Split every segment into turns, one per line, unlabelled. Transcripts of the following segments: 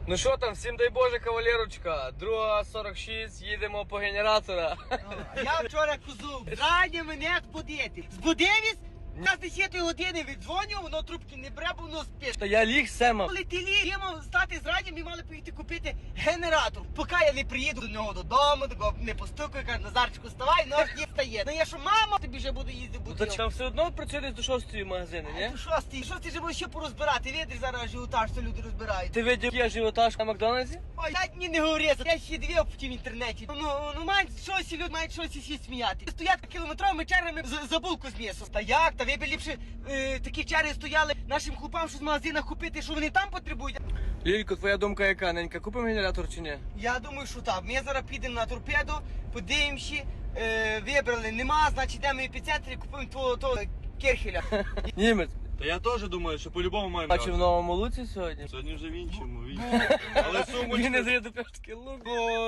Ну що там, всім дай Боже, кавалерочка. 2:46, їдемо по генератора.
Я вчора козу, раді мене збудити. Збудився, я з 10 години віддзвоню, воно трубки не бере, бо воно спить.
Та я ліг сема.
Коли ти ліг, я мав стати з раді, ми мали поїхати купити генератор. Поки я не приїду до нього додому, такого не постукаю, кажу, Назарчику, вставай, нож не встає. Ну я що, мама, тобі вже буду їздити
Та
будити.
там все одно працює десь до 6 магазини, ні?
Шостий же буде ще порозбирати, видиш зараз ажіотаж, що люди розбирають.
Ти видів, є ажіотаж на Макдональдсі?
Ой, дать мені не говори, я ще дві в інтернеті. Ну мають щось, люди мають щось всі сміяти. Стоять кілометровими чергами за булку з м'ясом. Та як? Та ви б ліпше такі черги стояли нашим хлопам, що з магазинах купити, що вони там потребують.
Лілько, твоя думка яка? Ненька, купимо генератор чи ні?
Я думаю, що так. Ми зараз підемо на торпеду, подивимося, вибрали, нема, значить йдемо в епіцентрі, купуємо того Керхеля.
Німець.
Та я теж думаю, що по-любому маємо
Бачив в
брати.
Новому Луці сьогодні.
Сьогодні вже в іншому. Але
Він не
сумочка.
зайде пешки лук.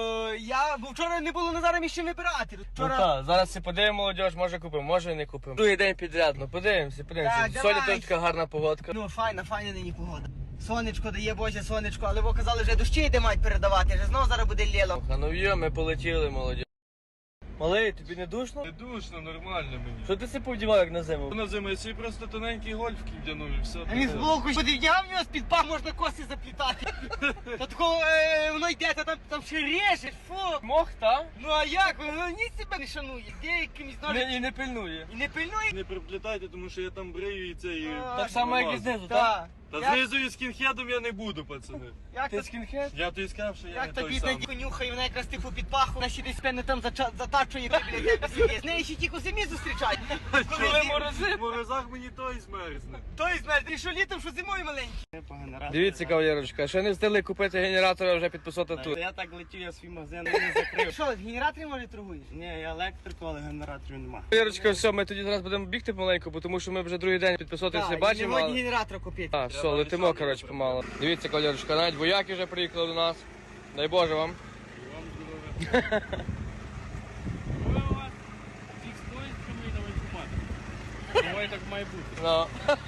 Бо вчора не було Назара ще вибирати.
Ну
Вчора...
так, зараз все подивимо, молодіж, може купимо, може і не купимо. Другий день підряд, ну подивимося.
Так,
Сьогодні
давай.
теж така гарна погодка.
Ну, файна нині погода. Сонечко дає, Боже, сонечко, але ви казали, вже дощі йде мають передавати, вже знову зараз буде ліло.
А ну йо, ми полетіли, молодіж. Малий, тобі не душно?
Не душно, нормально мені.
Що ти себе повдівав, як на зиму?
На зиму я собі просто тоненький гольф вдягнув і все.
А він з боку подив'яв в нього з-під пах можна коси заплітати. Та такого воно йде, та там ще реже, фу.
Мох, та?
Ну а як? Воно ні себе не шанує. Де якимось ножем
І не пильнує.
і не пильнує.
Не приплітайте, тому що я там брею і це і...
Так само, як і знизу, так?
Так.
Та знизу і скінхедом я не буду, пацани.
Як
Ти
то
скінхед?
Я тобі сказав, що я
як
не
та
той
бідна
самий.
конюха, і вона якраз типу під паху, вона ще десь певно там затачує біля тебе сидить. З нею ще тільки зимі зустрічають.
Коли морози.
В морозах мені той змерзне.
Той знає, ти що літом, що зимою маленький.
Дивіться, кавалерочка, ще не встигли купити генератор, а вже підписати тут.
Я так летів, я свій магазин не закрив.
Що, в генераторі може торгуєш?
Ні, я електрику, але генераторів нема.
Кавалерочка, все, ми тоді зараз будемо бігти помаленьку, бо тому що ми вже другий день підписуватися не бачимо.
Не
але-
генератор купити.
А, все, летимо, коротше, помало. Дивіться, кавалерочка, навіть вояки вже приїхали до нас. Дай Боже вам.
Давай так має бути.
Ну.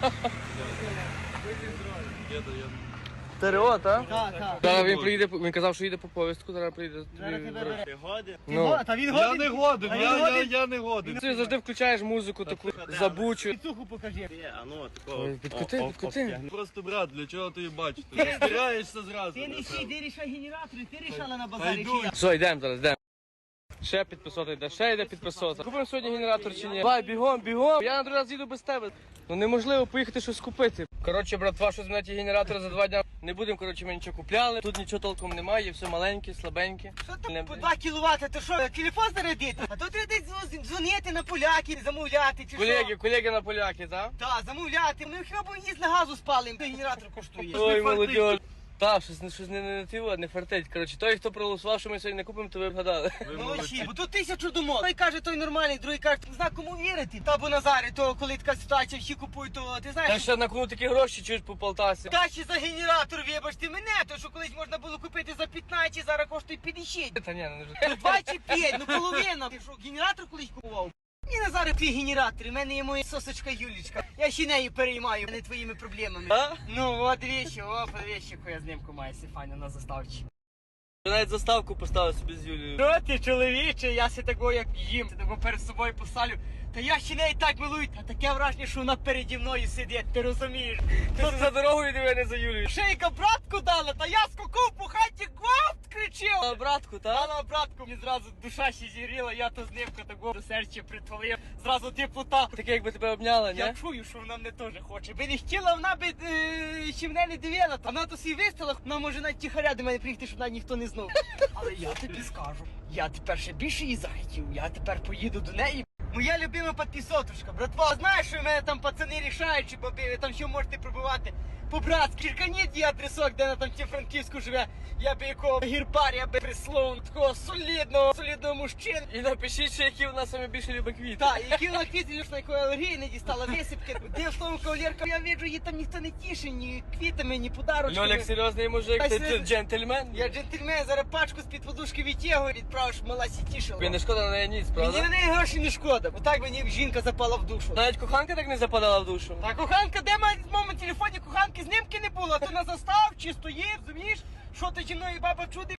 Діда, я...
ТРО, так?
Так.
Зараз він приїде, він казав, що їде по повістку, зараз приїде.
Зараз тебе бере.
Ти годин?
Ну.
Та він
Я
годен.
не годен,
А він
я
годен?
не годен.
Ти завжди включаєш музику таку забучу.
Підсуху покажи.
Ти, а ну, такого.
Ой, підкоти.
Просто, брат, для чого ти її бачиш? Ти розбираєшся зразу.
Ти не сій, ти рішай генератори, ти рішала на
Та
базарі.
йду.
чи я?
Все, йдемо зараз, йдемо. Ще підписати йде, ще йде підписати. Купимо сьогодні генератор чи ні? Давай, бігом, бігом. Я на другий раз їду без тебе. Ну неможливо поїхати щось купити. Коротше, братва, що змінити генератор за 2 дня. Не будемо, коротше, ми нічого купляли. Тут нічого толком немає, все маленьке, слабеньке.
Що там по 2 кВт, то що, телефон зарядити? А то треба десь дзвонити на поляків, замовляти, чи що?
Колеги на поляки, так?
Так, замовляти. Ми хіба б їсть на газу спалим, генератор коштує.
Ой, молодь. Так, щось не фартить. Коротше, той, хто проголосував, що ми сьогодні не купимо, то ви вгадали.
Молодці, бо тут 1000 думок. Той каже, той нормальний, другий каже, не знаю, кому вірити. Та бо Назарі, то коли така ситуація, всі купують, то ти
Та
знаєш,
ще на кому такі гроші чуєш по Полтасі.
та ще за генератор, вибачте мене, то що колись можна було купити за 15, зараз коштує 50.
Та ні, не вже.
Ну 25, ну половина. Ти що, генератор колись купував? Ні, Назаре, твій генератор, у мене є моя сосочка Юлічка. Я ще нею переймаю, а не твоїми проблемами.
А?
Ну, от вещи, яку я з ним маю, Сифаня, на заставці.
Я навіть заставку поставив собі з Юлією.
Що ти, чоловіче, я си такого як їм, ти такого перед собою поставлю. Та я ще неї так милую, та таке враження, що вона переді мною сидить, ти розумієш?
Ти за дорогою диви, не за Юлією.
Шейка братку дала, та я скакав по хаті, гвалт кричив.
А братку, та?
Дала братку, мені зразу душа ще зігріла, я то з нивка такого до серця притвалив, зразу теплота.
Таке, якби тебе обняла,
Я
ні?
чую, що вона мене теж хоче. Би не хотіла, вона би ще мене не дивила. А вона то свій виставила, вона може навіть тихаря до мене приїхати, щоб навіть ніхто не знав. Але я тобі скажу, я тепер ще більше її захотів, я тепер поїду до неї. Моя любима підписотушка, братва, знаєш, що в мене там пацани рішають, чи баби, ви там що можете пробувати по-братськи. Черканіть є адресок, де вона там ті Франківську живе. Я би якого гірпар, я би прислав такого солідного мужчину.
І напишіть, що які в нас саме більше любить квіти.
Так, які вона квіти, на якої алергії не дістала висипки. Де словом кавалерка, я бачу, її там ніхто не тішить, ні квітами, ні подарочками.
Льолік серйозний мужик,
Та
ти
серйозно.
джентльмен.
Я джентльмен, зараз пачку з-під подушки відтягую, відправиш, щоб мала сі тішила.
Тобі не шкода на неї ніц,
Мені на
правда?
неї гроші не шкода, бо так мені жінка запала в душу.
Навіть коханка так не западала в душу.
Та коханка, де в моєму телефоні коханки знімки не було, то на застав чи стоїть, розумієш? Що ти зі мною, баба, чуди?